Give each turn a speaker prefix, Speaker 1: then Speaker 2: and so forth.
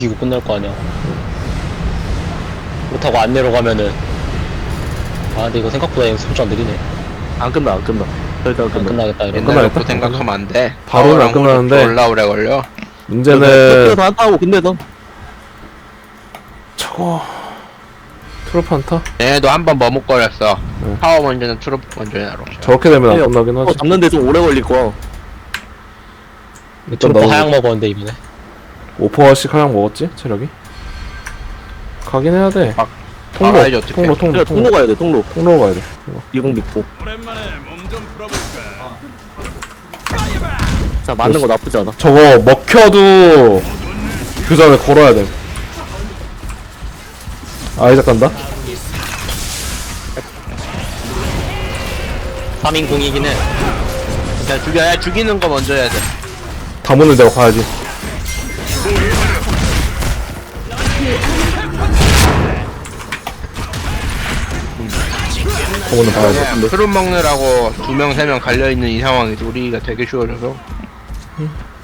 Speaker 1: 이거 끝날 거 아니야. 그렇다고 안 내려가면은 근데 이거 생각보다 속도 안 느리네.
Speaker 2: 안 끝나 절대 안
Speaker 1: 안
Speaker 2: 끝나.
Speaker 1: 끝나겠다 이러면.
Speaker 3: 옛날
Speaker 4: 끝나겠다?
Speaker 3: 놓고 생각하면 안 돼.
Speaker 4: 바로는 안 끝나는데.
Speaker 3: 올라 오래 걸려.
Speaker 4: 문제는
Speaker 2: 다 한다고. 근데 너
Speaker 4: 저거 트로프 안타?
Speaker 3: 얘네도 한 번 머뭇거렸어.
Speaker 4: 네.
Speaker 3: 파워 먼저는 트로프 먼저 해놔로.
Speaker 4: 저렇게 되면 안 끝나긴 하지.
Speaker 2: 잡는데 좀 오래 걸릴 거야.
Speaker 4: 일단
Speaker 1: 트로프
Speaker 4: 나도
Speaker 1: 하향 먹었는데 이번에.
Speaker 4: 5%씩 하향 먹었지? 체력이? 가긴 해야 돼.
Speaker 3: 막
Speaker 4: 통로,
Speaker 3: 막아야지, 어떡해.
Speaker 4: 통로,
Speaker 2: 그래, 통로 가야 돼. 통로
Speaker 4: 가야 돼. 이거.
Speaker 2: 이공 믿고. 자 맞는 거 나쁘지 않아.
Speaker 4: 저거 먹혀도 그 전에 걸어야 돼. 아이작 간다?
Speaker 1: 3인 공이긴 해.
Speaker 3: 그냥 죽여야 죽이는 거 먼저 해야 돼.
Speaker 4: 다 문을 내가 가야지. 다 문을 봐야지.
Speaker 3: 트롯 먹느라고 2명 3명 갈려있는 이 상황에서 우리가 되게 쉬워져서